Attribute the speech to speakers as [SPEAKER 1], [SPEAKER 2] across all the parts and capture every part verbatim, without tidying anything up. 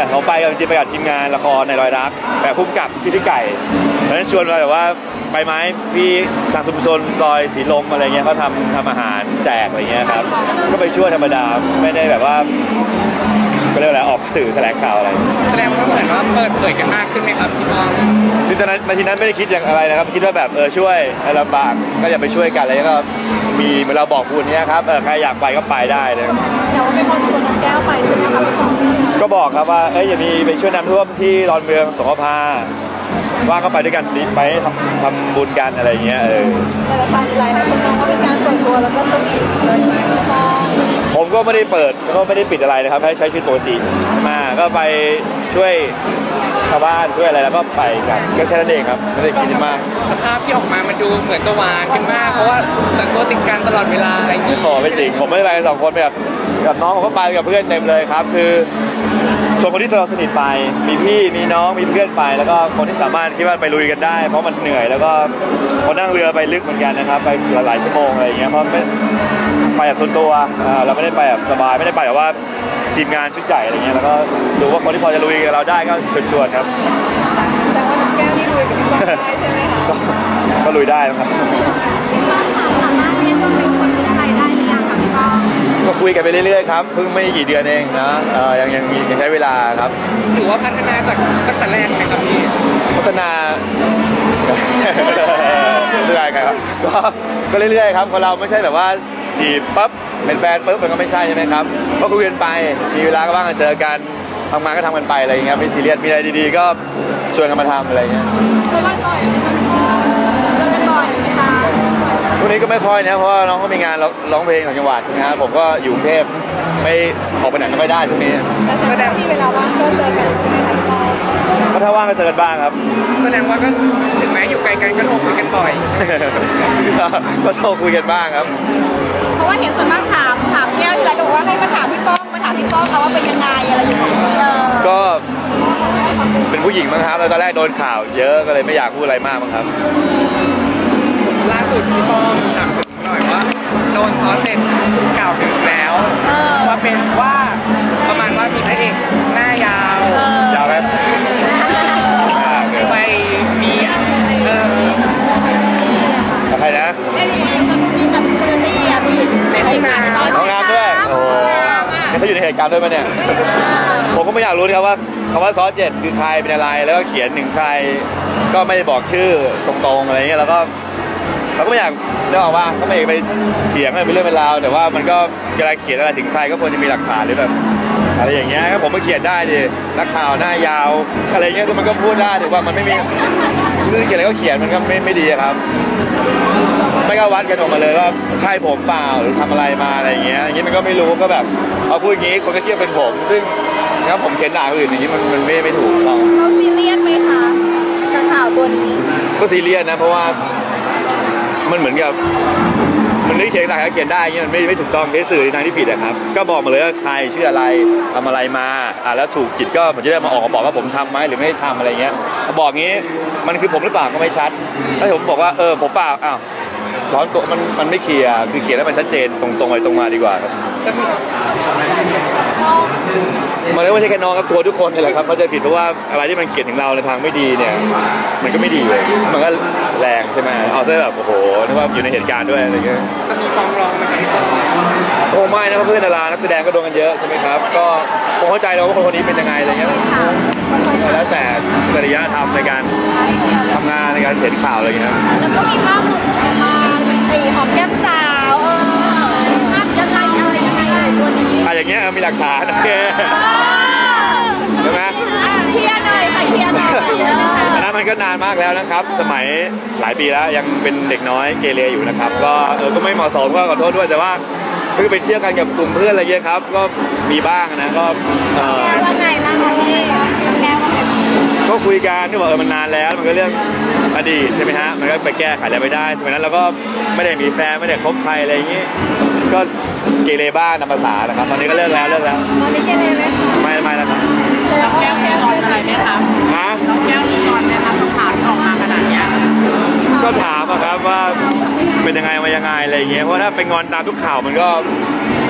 [SPEAKER 1] เขาไปกันจริงไปกับทีมงานละครในรอยรักแบบพุ่มกับชื่อพี่ไก่แล้วนั้นชวนมาแบบว่าไปไหมพี่ชางชุมชนซอยสีลมอะไรเงี้ยเขาทำทำอาหารแจกอะไรเงี้ยครับก็ไปช่วยธรรมดาไม่ได้แบบว่าก็เรียกอะไรออกสื่อแถลงข่าวอะไร
[SPEAKER 2] แสดงว่าเหมือนว่าเปิดเผยกันมากขึ้นไหมครับพี่ต้อง
[SPEAKER 1] ทีนั้นมาทีนั้นไม่ได้คิดอย่างอะไรนะครับคิดว่าแบบเออช่วยลำบากก็อย่าไปช่วยกันอะไรก็มีเมื่อเราบอกคุณเนี้ยครับเออใครอยากไปก็ไปได้เลย
[SPEAKER 3] แต่ว่าเป็นคนชวนน้องแก้วไปใช่ไหมครับพี่ต้อง
[SPEAKER 1] ก็บอกครับว่าเอ้ยอย่ามีไปช่วยน้ำท่วมที่ดอนเมืองสงขลาว่าก็ไปด้วยกันไปทำทำบุญกันอะไรเงี้ยเออ
[SPEAKER 3] แต่ละปันหลายหลายคนมองว่าเป็นการเปิดตัวแล้วก็สวีทเลยไหมพ่อ
[SPEAKER 1] ผมก็ไม่ได้เปิดก็ไม่ได้ปิดอะไรนะครับให้ใช้ชีวิตปกติมาก็ไปช่วยชาวบ้านช่วยอะไรแล้วก็ไปกันก็แค่นั้นเองครับไม่ได้คิดมาก
[SPEAKER 2] สภาพที่ออกมามันดูเหมือนจะหวานกันมากเพราะว่าแต่ตัวติดกันตลอดเวลาอะไรอย่างนี้
[SPEAKER 1] อ๋อไม่จริงผมไม่ได้ไปกันสองคนแบบกับน้องผมก็ไปกับเพื่อนเต็มเลยครับคือชวนคนที่เราสนิทไปมีพี่มีน้องมีเพื่อนไปแล้วก็คนที่สามารถคิดว่าไปลุยกันได้เพราะมันเหนื่อยแล้วก็พอนั่งเรือไปลึกเหมือนกันนะครับไปหลายชั่วโมงอะไรอย่างเงี้ยเพราะไม่ไปแบบส่วนตัวเราไม่ได้ไปแบบสบายไม่ได้ไปแบบว่าทีมงานชุดใหญ่อะไรเงี้ยแล้วก็ดูว่าคนที่พอจะลุยกับเราได้ก็ชวนๆครับ
[SPEAKER 3] แต่ว่าน้องแก้วนี่ลุยกับพี่ก้องได้ใช่ไหมคะ
[SPEAKER 1] ก็ลุยได้นะครับ
[SPEAKER 3] สามารถเรียกว่าเป็นคนรู้ใจได้หรือยังคะพี่ก้อง
[SPEAKER 1] ก็คุยกันไปเรื่อยๆครับเพิ่งไม่กี่เดือนเองนะยังยังมียังใช้เวลาครับ
[SPEAKER 2] ถือว่าพัฒนาจากตั้งแต่แรกไหมครับพี่
[SPEAKER 1] พัฒนาเรื่อยๆครับก็ก็เรื่อยๆครับคนเราไม่ใช่แบบว่าจีบปั๊บเป็นแฟนปุ๊บมันก็ไม่ใช่ใช่ไหมครับก็คุยกันไปมีเวลาก็บ้างเจอกันทำงานก็ทำกันไปอะไรอย่างเงี้ยไม่ซีเรียสมีอะไรดีๆก็ชวนกันมาทำอะไรเงี้ย
[SPEAKER 3] เจอกันบ่อยเจอกันบ่อยไหมคะ
[SPEAKER 1] ช่วงนี้ก็ไม่ค่อยนะเพราะน้องก็มีงานร้องเพลงต่างจังหวัดนะฮะผมก็อยู่กรุงเทพไม่ออกไปไหนก็ไม่ได้ช่วงนี้
[SPEAKER 3] แสดงมีเวลาว่างก็เจอกันใช่ไหมคะ
[SPEAKER 1] ก็ถ้าว่างก็เจอกันบ้างครับ
[SPEAKER 2] แสดงว่าก็ถึงแม้อยู่ไกลกันก็โทรคุยกันบ่อย
[SPEAKER 1] ก็โทรคุยกันบ้างครับ
[SPEAKER 3] เพราะว่าเห็นส่วนมากถามถามแก้วที่ไรก็บอกว่าให้มาถามพี่ป้องมาถามพี่ป้องเขาว่าเป็นยังไงอะไรอย่างเงี้ย
[SPEAKER 1] ก็เป็นผู้หญิงมั้งครับแล้วตอนแรกโดนข่าวเยอะก็เลยไม่อยากพูดอะไรมากมั้งครับ
[SPEAKER 2] ล่าสุดพี่ป้องถามหน่อยว่าโดนซ้อเจ็ดกล่าวถึงแล้วว่าเป็นว่าประมาณว่ามีพระเอกหน้ายาวย
[SPEAKER 1] าวไหม
[SPEAKER 2] ไปมีเออ
[SPEAKER 1] ใครนะ
[SPEAKER 3] มีแบบเพื่อนนี่อ่ะพี่
[SPEAKER 2] ในห้องน้ำ
[SPEAKER 1] ห้องน้ำด้วยโอ้เขาอยู่ในเหตุการณ์ด้วยมั้ยเนี่ยผมก็ไม่อยากรู้นะครับว่าคำว่าซ้อเจ็ดคือใครเป็นอะไรแล้วก็เขียนหนึ่งใครก็ไม่ได้บอกชื่อตรงๆอะไรเงี้ยแล้วก็เราก็ไม่อยากเรื่องว่าก็ไม่อยากไปเถียงอะไรเป็นเรื่องเป็นราวแต่ว่ามันก็เวลาเขียนอะไรถึงใครก็ควรจะมีหลักฐานหรือแบบอะไรอย่างเงี้ยผมมาเขียนได้ดินักข่าวหน้ายาวอะไรเงี้ยมันก็พูดได้ถือว่ามันไม่มีคือเขียนอะไรก็เขียนมันก็ไม่ไม่ดีครับไม่ก็วัดกันออกมาเลยว่าใช่ผมเปล่าหรือทำอะไรมาอะไรอย่างเงี้ยอย่างงี้มันก็ไม่รู้ก็แบบเอาพูดอย่างงี้คนก็เทียบเป็นผมซึ่งถ้าผมเขียนด่าคนอื่นอย่างงี้มันมันไม่ไม่ถูกต้อง
[SPEAKER 3] เขาซีเรียสไหมคะกับข่าวตัวนี้
[SPEAKER 1] ก็ซีเรียสนะเพราะว่ามันเหมือนกับมันนึกเขียนได้ก็เขียนได้เงี้ยมันไม่ไม่ถูกต้องในสื่อในทางที่ผิดนะครับก็บอกมาเลยว่าใครชื่ออะไรทำอะไรมาอ่าแล้วถูกจิตก็ผมจะได้มาออกมาบอกว่าผมทำไหมหรือไม่ได้ทำอะไรเงี้ยบอกงี้มันคือผมหรือเปล่าก็ไม่ชัดถ้าผมบอกว่าเออผมเปล่าอ้าวร้อนตัวมันมันไม่เคลียร์คือเขียนให้มันชัดเจนตรงๆไปตรงมาดีกว่าครับมันไม่ใช่แค่น้องครับตัวทุกคนนี่แหละครับเขาจะผิดเพราะว่าอะไรที่มันเขียนถึงเราในทางไม่ดีเนี่ยมันก็ไม่ดีเลยมันก็แรงใช่ไหมเอาซะแบบโอ้โหนึกว่าอยู่ในเหตุการณ์ด้วยอะไรเงี้ย
[SPEAKER 2] จะมีฟ้องร้องไหมครับพี่ต้น
[SPEAKER 1] โอ้ไม่นะเพื่อนดารานักแสดงก็โดนกันเยอะใช่ไหมครับก็คงเข้าใจเราว่าคนคนนี้เป็นยังไงอะไรเงี้ยแล้วแต่จริยธรรมในการทำงานในการเขียนข่าวอะไรเงี้ย
[SPEAKER 3] แล้วก็มีภาพหลุดออกมาไอ้หอมแก้มสาวเออภาพยังไงอะไรยังไงตัวนี้
[SPEAKER 1] อะไรอย่างเงี้ยมีหลักฐานโอเคใช่ไหม
[SPEAKER 3] เชียร์หน่อยค่ะเชียร์หน่อย
[SPEAKER 1] อันนั้นมันก็นานมากแล้วนะครับสมัยหลายปีแล้วยังเป็นเด็กน้อยเกเรอยู่นะครับก็เออก็ไม่เหมาะสมก็ขอโทษด้วยแต่ว่าคือไปเที่ยวกันกับกลุ่มเพื่อนอะไรเงี้ยครับก็มีบ้างนะก็
[SPEAKER 3] เออว่าไงบ้างคะพี่แก้วว่าไง
[SPEAKER 1] ก็คุยกันที่บอกเออมันนานแล้วมันก็เรื่องอดีตใช่ไหมฮะมันก็ไปแก้ไขอะไรไม่ได้สมัยนั้นเราก็ไม่ได้มีแฟนไม่ได้คบใครอะไรอย่างงี้ก็เกเรบ้างตามภาษานะครับตอนนี้ก็เลิกแล้วเลิกแล้ว
[SPEAKER 3] ตอนนี้เกเรไหม
[SPEAKER 1] ไม่ไม่แล้วครับ
[SPEAKER 3] แก้วแก้วอะไรไหมครับ
[SPEAKER 1] ฮะ
[SPEAKER 3] น้องแก้วมีตอนไหมครับข่าวที่ออกมาขนาดนี้
[SPEAKER 1] ก็ถามอะครับว่าเป็นยังไงมายังไงอะไรอย่างเงี้ยเพราะถ้าเป็นงอนตามทุกข่าวมันก็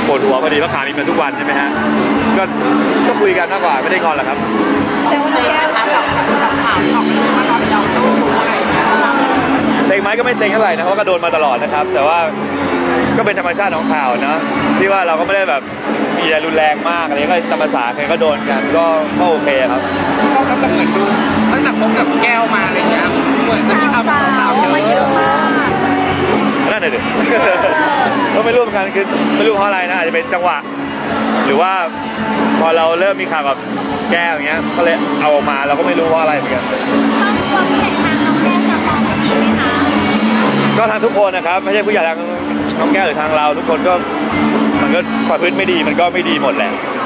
[SPEAKER 1] ปวดหัวพอดีเพราะขามีมาทุกวันใช่ไหมฮะก็ก็คุยกันมากกว่าไม่ได้งอนหรอกครับ
[SPEAKER 3] แต่ว่าน้องแก้ว
[SPEAKER 2] กับกับข่าวที่ออกมาว่าตอนเราเจ้าชู้อะไรอย่างเงี้ย
[SPEAKER 1] เซ็งไหมก็ไม่เซ็งเท่าไหร่นะเพราะก็โดนมาตลอดนะครับ แต่ว่าก็เป็นธรรมชาติของข่าวนะที่ว่าเราก็ไม่ได้แบบมีอะไรรุนแรงมากอะไรก็ตามภาษาใครก็โดนกันก็ก็โอเคครับ
[SPEAKER 2] ก็ก็เหมือนดูตั้งแต่คบกับแก้วมาอะไรเงี้ยเหมือนจะมี
[SPEAKER 3] สาว
[SPEAKER 2] คำ
[SPEAKER 3] สา
[SPEAKER 2] ข่าว
[SPEAKER 3] ว
[SPEAKER 2] เย
[SPEAKER 3] มาเย
[SPEAKER 2] อะ
[SPEAKER 3] อะมาก
[SPEAKER 1] นั่นเลยดิ ก็ไม่รู้เหมือนกันคือไม่รู้เพราะอะไรนะอาจจะเป็นจังหวะ หรือว่าพอเราเริ่มมีข่าวกับแก้วอย่างเงี้ยก็เลยเอาออกมาเราก็ไม่รู้ว่าอะไรเหมือนกัน
[SPEAKER 3] ต้องควรผู้ใหญ่ทางน้องแก้วจะมองแบบนี้ไหมคะ
[SPEAKER 1] ก็ทางทุกคนนะครับไม่ใช่ผู้ใหญ่ทางน้องแก้วหรือทางเรา ทุกคนก็มันก็ความพื้นไม่ดีมันก็ไม่ดีหมดแหละ